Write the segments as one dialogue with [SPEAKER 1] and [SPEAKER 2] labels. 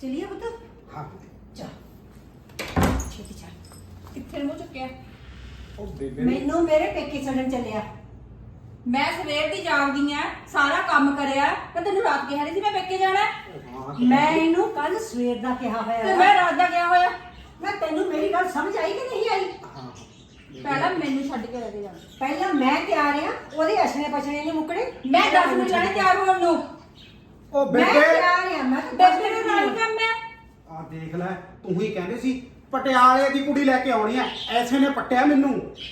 [SPEAKER 1] चलिए पुत्र।
[SPEAKER 2] हाँ
[SPEAKER 1] चल छेती चल।
[SPEAKER 3] ਕਿੱਥੇ ਨੂੰ ਚੁੱਕਿਆ
[SPEAKER 2] ਉਹ ਬੇਬੇ
[SPEAKER 1] मैनू मेरे पेके छड़न चलिया।
[SPEAKER 3] ਮੈਂ ਸਵੇਰ ਦੀ ਜਾਗਦੀ ਆ ਸਾਰਾ ਕੰਮ ਕਰਿਆ ਮੈਂ ਤੈਨੂੰ ਰਾਤ ਕਿਹਾ ਨਹੀਂ ਸੀ ਮੈਂ ਪੇਕੇ ਜਾਣਾ
[SPEAKER 1] मैं इनू कल सवेर दा कहा
[SPEAKER 3] ਤੇ
[SPEAKER 1] होया
[SPEAKER 3] ਮੈਂ ਰਾਤ ਦਾ ਗਿਆ ਹੋਇਆ
[SPEAKER 1] मैं तेनू मेरी गल समझ आई कि नहीं आई?
[SPEAKER 2] हाँ
[SPEAKER 3] ਪਹਿਲਾਂ ਮੈਨੂੰ ਛੱਡ ਕੇ ਲੈ ਕੇ ਜਾਣਾ
[SPEAKER 1] पहला मैं तैयार हां ओदे असने पछने नहीं मुकड़े।
[SPEAKER 3] ਮੈਂ 10 ਮਿੰਟ ਲੈਣੇ ਤਿਆਰ ਹੋਣ ਨੂੰ
[SPEAKER 2] ਉਹ
[SPEAKER 1] मैं
[SPEAKER 2] ਬੇਬੇ
[SPEAKER 1] तैयार हां मैं तो
[SPEAKER 3] ਬੇਬੇ ਦੇ ਨਾਲ ਹੀ ਕੰਮ ਹੈ
[SPEAKER 2] ਆ ਦੇਖ ਲੈ ਤੂੰ ਹੀ ਕਹਿੰਦੇ ਸੀ ਪਟਿਆਲੇ ਦੀ ਕੁੜੀ ਲੈ ਕੇ ਆਉਣੀ ਐ ਐਸੇ ਨੇ ਪੱਟਿਆ ਮੈਨੂੰ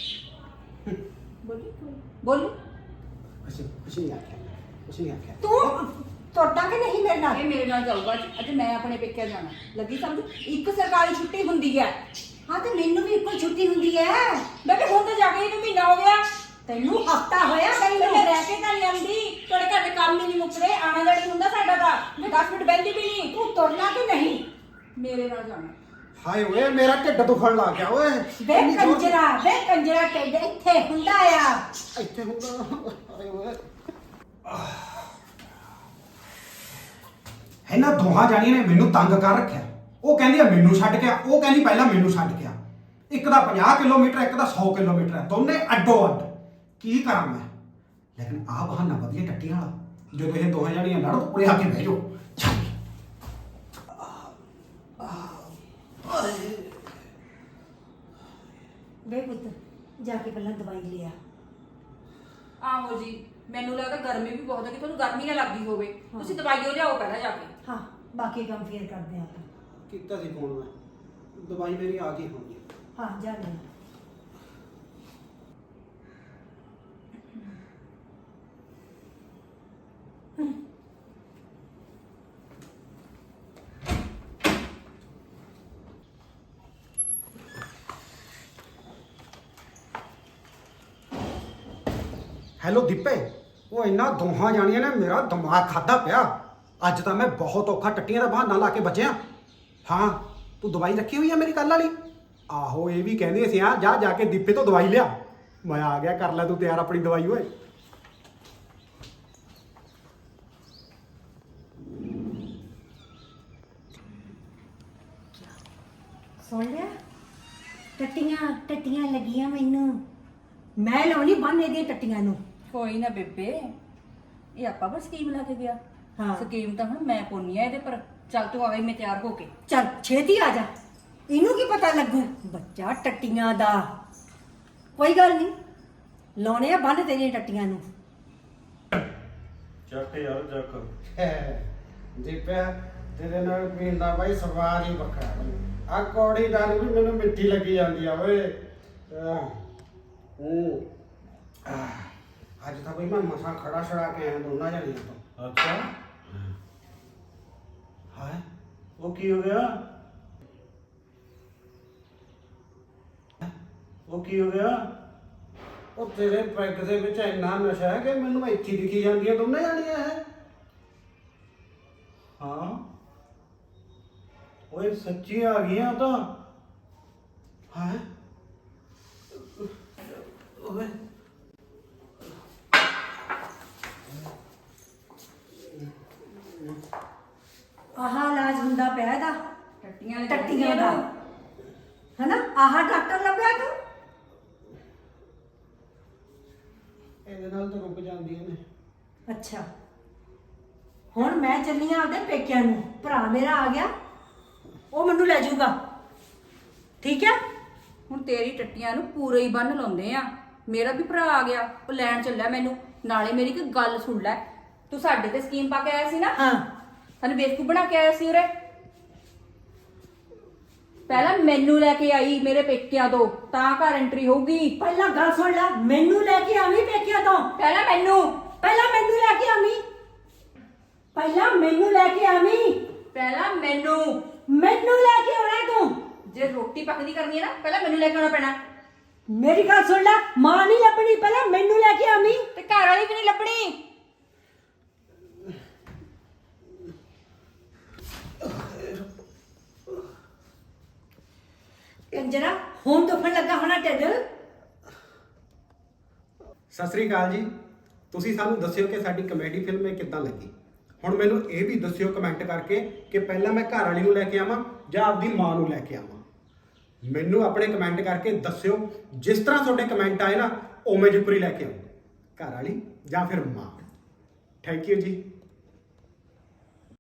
[SPEAKER 3] ਬੋਲੀ
[SPEAKER 2] ਕੁਛ ਨਹੀਂ ਆਖਿਆ
[SPEAKER 1] तू तुरदा कि नहीं मेरे नाल?
[SPEAKER 3] ਇਹ ਮੇਰੇ ਨਾਲ ਜਾਊਗਾ ਅੱਜ ਮੈਂ ਆਪਣੇ ਪੇਕੇ ਜਾਣਾ ਲੱਗੀ ਸਮਝ ਇੱਕ ਸਰਕਾਰੀ ਛੁੱਟੀ ਹੁੰਦੀ ਹੈ
[SPEAKER 1] हां तो मेनू भी कोई छुट्टी हुंदी है।
[SPEAKER 3] ਬੇਬੇ ਹੁਣ ਤਾਂ ਜਾ ਕੇ ਇਹਨੂੰ ਮਹੀਨਾ ਹੋ ਗਿਆ
[SPEAKER 1] तेनू हफ्ता होया गई
[SPEAKER 3] ਤੇ
[SPEAKER 1] नू।
[SPEAKER 3] ਮੈਂ ਰਹਿ ਕੇ ਤਾਂ ਨਹੀਂ ਆਉਂਦੀ ਤੁਹਾਡੇ ਘਰ ਦੇ ਕੰਮ ਹੀ ਨਹੀਂ ਮੁੱਕਦੇ ਆਣਾ ਜਾਣੀ ਹੁੰਦਾ ਸਾਡਾ ਤਾਂ ਮੈਂ 10 ਮਿੰਟ ਬੈਠੀ ਵੀ ਨਹੀਂ
[SPEAKER 1] तू तुरना कि नहीं?
[SPEAKER 3] ਮੇਰੇ ਨਾਲ ਜਾਣਾ
[SPEAKER 2] ਹਾਏ ਓਏ ਮੇਰਾ ਢਿੱਡ ਦੁਖਣ ਲੱਗ ਗਿਆ ਓਏ
[SPEAKER 1] वे कंजरा टेड इत्थे हुंदा आ।
[SPEAKER 2] ਇੱਥੇ ਹੁੰਦਾ ਹਾਏ ਓਏ ਇਹਨਾਂ ਦੋਹਾਂ ਜਾਣੀਆਂ ਨੇ ਮੈਨੂੰ ਤੰਗ ਕਰ ਰੱਖਿਆ ਉਹ ਕਹਿੰਦੀ ਆ ਮੈਨੂੰ ਛੱਡ ਕੇ ਆ ਉਹ ਕਹਿੰਦੀ ਪਹਿਲਾਂ ਮੈਨੂੰ ਛੱਡ ਕੇ ਆ ਇੱਕ ਦਾ 50 ਕਿਲੋਮੀਟਰ ਇੱਕ ਦਾ 100 ਕਿਲੋਮੀਟਰ ਹੈ ਦੋਨੇ ਅੱਡੋ ਅੱਡ ਕੀ ਕਰਾਂ ਮੈਂ ਲੇਕਿਨ ਆ ਬਹਾਨਾ ਵਧੀਆ ਟੱਟੀਆਂ ਵਾਲਾ ਜਦੋਂ ਇਹ ਦੋਹਾਂ ਜਾਣੀਆਂ ਲੜੋ ਉਰੇ ਆ ਕੇ ਬਹਿ ਜਾਓ ਚੱਲ
[SPEAKER 1] वे पुत्र जाके पहला दवाई ले आ।
[SPEAKER 3] ਆਹੋ ਜੀ ਮੈਨੂੰ ਲੱਗਦਾ ਗਰਮੀ ਵੀ ਬਹੁਤ ਹੈ ਕਿ ਤੁਹਾਨੂੰ ਗਰਮੀ ਨਾ ਲੱਗਦੀ ਹੋਵੇ ਤੁਸੀਂ ਦਵਾਈਓ ਲਿਆਓ ਪਹਿਲਾਂ ਜਾ ਕੇ
[SPEAKER 1] हाँ बाकी काम फिर करते हैं आप।
[SPEAKER 2] ਕੀਤਾ ਸੀ ਫੋਨ ਮੈਂ ਦਵਾਈ ਮੇਰੀ ਆ ਗਈ ਹੋਣੀ
[SPEAKER 1] हाँ जा ले।
[SPEAKER 2] ਹੈਲੋ ਦੀਪੇ ਉਹ ਇਹਨਾਂ ਦੋਹਾਂ ਜਾਣੀਆਂ ਨੇ ਮੇਰਾ ਦਿਮਾਗ ਖਾਦਾ ਪਿਆ ਅੱਜ ਤਾਂ ਮੈਂ ਬਹੁਤ ਔਖਾ ਟੱਟੀਆਂ ਦਾ ਬਹਾਨਾ ਲਾ ਕੇ ਬਚਿਆ ਹਾਂ ਤੂੰ ਦਵਾਈ ਰੱਖੀ ਹੋਈ ਆ ਮੇਰੀ ਕੱਲ ਵਾਲੀ ਆਹੋ ਇਹ ਵੀ ਕਹਿੰਦੇ ਸੀ ਆ ਜਾ ਜਾ ਕੇ ਦੀਪੇ ਤੋਂ ਦਵਾਈ ਲਿਆ ਮੈਂ ਆ ਗਿਆ ਕਰ ਲੈ ਤੂੰ ਤਿਆਰ ਆਪਣੀ ਦਵਾਈ ਓਏ
[SPEAKER 1] सुन लिया? टट्टियां टट्टियां लगियां मैनू। मैं लाउनी बन एदी टट्टियां नू।
[SPEAKER 3] ਕੋਈ ਨਾ ਬੇਬੇ ਇਹ ਆਪਾਂ ਬਸ ਸਕੀਮ ਲਾ ਕੇ ਗਿਆ
[SPEAKER 1] ਹਾਂ।
[SPEAKER 3] ਸਕੀਮ ਤਾਂ ਹੁਣ ਮੈਂ ਪਾਉਣੀ ਆ ਇਹਦੇ ਪਰ ਚੱਲ ਤੂੰ ਆ ਗਈ ਮੈਂ ਤਿਆਰ ਹੋ ਕੇ
[SPEAKER 1] चल छेती आ जा। इनू की पता लगू बच्चा टट्टियां दा। कोई गल नहीं लाने आ बन तेरियां टट्टियां नू।
[SPEAKER 4] ਚੱਕ ਯਾਰ ਚੱਕ
[SPEAKER 2] ਦੀਪੇ ਤੇਰੇ ਨਾਲ ਪੀਣ ਦਾ ਬਾਈ ਸਵਾਦ ਹੀ ਵੱਖਰਾ ਬਈ ਆ ਕੌੜੀ ਗੱਲ ਵੀ ਮੈਨੂੰ ਮਿੱਠੀ ਲੱਗੀ ਜਾਂਦੀ ਆ ਓਏ ਅੱਜ ਤਾਂ ਬਈ ਮੈਂ ਮਸਾਂ ਖੜਾ ਛੜਾ ਕੇ ਆਇਆ ਦੋਨਾਂ ਜਣੀਆਂ ਤੋਂ
[SPEAKER 4] ਅੱਛਾ
[SPEAKER 2] ਹਾਏ
[SPEAKER 4] ਉਹ ਕੀ ਹੋ ਗਿਆ ਉਹ ਕੀ ਹੋ ਗਿਆ
[SPEAKER 2] ਉਹ ਤੇਰੇ ਪੈਗ ਦੇ ਵਿੱਚ ਇੰਨਾ ਨਸ਼ਾ ਹੈ ਕਿ ਮੈਨੂੰ ਇੱਥੇ ਦਿਖੀ ਜਾਂਦੀਆਂ ਦੋਨੇ ਜਾਣੀਆਂ ਹੈ
[SPEAKER 4] ਹਾਂ ਓਏ ਸੱਚੀ ਆ ਗਈਆਂ ਤਾਂ
[SPEAKER 2] ਹੈ ਓਏ
[SPEAKER 1] आह इलाज हुंदा पिया दा
[SPEAKER 3] ਟੱਟੀਆਂ
[SPEAKER 1] टट्टियां दा है ना। आह डॉक्टर लभ्या तू?
[SPEAKER 2] ਇਹਦੇ ਨਾਲ ਤਾਂ ਰੁਕ ਜਾਂਦੀਆਂ ਨੇ
[SPEAKER 1] अच्छा हुण मैं चली आ आपदे पेकिਆਂ ਨੂੰ। ਭਰਾ ਮੇਰਾ ਆ ਗਿਆ ਉਹ ਮੈਨੂੰ ਲੈ ਜਾਊਗਾ ਠੀਕ ਹੈ।
[SPEAKER 3] ਹੁਣ ਤੇਰੀ ਟੱਟੀਆਂ ਨੂੰ ਪੂਰੇ ਹੀ ਬੰਨ ਲਾਉਂਦੇ ਆ ਮੇਰਾ ਵੀ ਭਰਾ ਆ ਗਿਆ ਉਹ ਲੈਣ ਚੱਲਿਆ ਮੈਨੂੰ ਨਾਲੇ ਮੇਰੀ ਇੱਕ ਗੱਲ ਸੁਣ ਲੈ ਤੂੰ ਸਾਡੇ ਤੇ ਸਕੀਮ ਪਾ ਕੇ ਆਇਆ ਸੀ ਨਾ
[SPEAKER 1] ਹਾਂ
[SPEAKER 3] ਸਾਨੂੰ ਬੇਵਕੂਫ ਬਣਾ ਕੇ ਆਇਆ ਸੀ ਉਰੇ ਪਹਿਲਾਂ ਮੈਨੂੰ ਲੈ ਕੇ ਆਈ ਮੇਰੇ ਪੇਕਿਆਂ ਤੋਂ ਤਾਂ ਘਰ ਐਂਟਰੀ ਹੋਊਗੀ
[SPEAKER 1] ਪਹਿਲਾਂ ਗੱਲ ਸੁਣ ਲੈ ਮੈਨੂੰ ਲੈ ਕੇ ਆਵੀਂ ਪੇਕਿਆਂ ਤੋਂ।
[SPEAKER 3] ਪਹਿਲਾਂ ਮੈਨੂੰ
[SPEAKER 1] ਪਹਿਲਾਂ ਮੈਨੂੰ ਲੈ ਕੇ ਆਵੀਂ। ਪਹਿਲਾਂ ਮੈਨੂੰ ਲੈ ਕੇ ਆਵੀਂ।
[SPEAKER 3] ਪਹਿਲਾਂ ਮੈਨੂੰ
[SPEAKER 1] ਮੈਨੂੰ ਲੈ ਕੇ ਆਉਣਾ ਤੂੰ।
[SPEAKER 3] ਜੇ ਰੋਟੀ ਪੱਕਦੀ ਕਰਨੀ ਹੈ ਨਾ ਪਹਿਲਾਂ ਮੈਨੂੰ ਲੈ ਕੇ ਆਉਣਾ ਪੈਣਾ
[SPEAKER 1] ਮੇਰੀ ਗੱਲ ਸੁਣ ਲੈ ਮਾਂ ਨਹੀਂ ਲੱਭਣੀ ਪਹਿਲਾਂ ਮੈਨੂੰ ਲੈ ਕੇ ਆਵੀਂ।
[SPEAKER 3] ਤੇ ਘਰ ਵਾਲੀ ਵੀ ਨਹੀਂ ਲੱਭਣੀ
[SPEAKER 1] ਕੰਜਰਾ ਹੁਣ ਦੁਖਣ ਲੱਗਾ ਹੋਣਾ ਢਿੱਡ।
[SPEAKER 2] ਸਤਿ ਸ੍ਰੀ ਅਕਾਲ ਜੀ ਤੁਸੀਂ ਸਾਨੂੰ ਦੱਸਿਓ ਕਿ ਸਾਡੀ ਕਮੇਡੀ ਫਿਲਮ ਇਹ ਕਿੱਦਾਂ ਲੱਗੀ ਹੁਣ ਮੈਨੂੰ ਇਹ ਵੀ ਦੱਸਿਓ ਕਮੈਂਟ ਕਰਕੇ ਕਿ ਪਹਿਲਾਂ ਮੈਂ ਘਰ ਵਾਲੀ ਨੂੰ ਲੈ ਕੇ ਆਵਾਂ ਜਾਂ ਆਪਦੀ ਮਾਂ ਨੂੰ ਲੈ ਕੇ ਆਵਾਂ। ਮੈਨੂੰ ਆਪਣੇ ਕਮੈਂਟ ਕਰਕੇ ਦੱਸਿਓ, ਜਿਸ ਤਰ੍ਹਾਂ ਤੁਹਾਡੇ ਕਮੈਂਟ ਆਏ ਨਾ ਉਵੇਂ ਜਿਪਰੀ ਲੈ ਕੇ ਆਓ, ਘਰ ਵਾਲੀ ਜਾਂ ਫਿਰ ਮਾਂ। ਥੈਂਕ ਯੂ ਜੀ।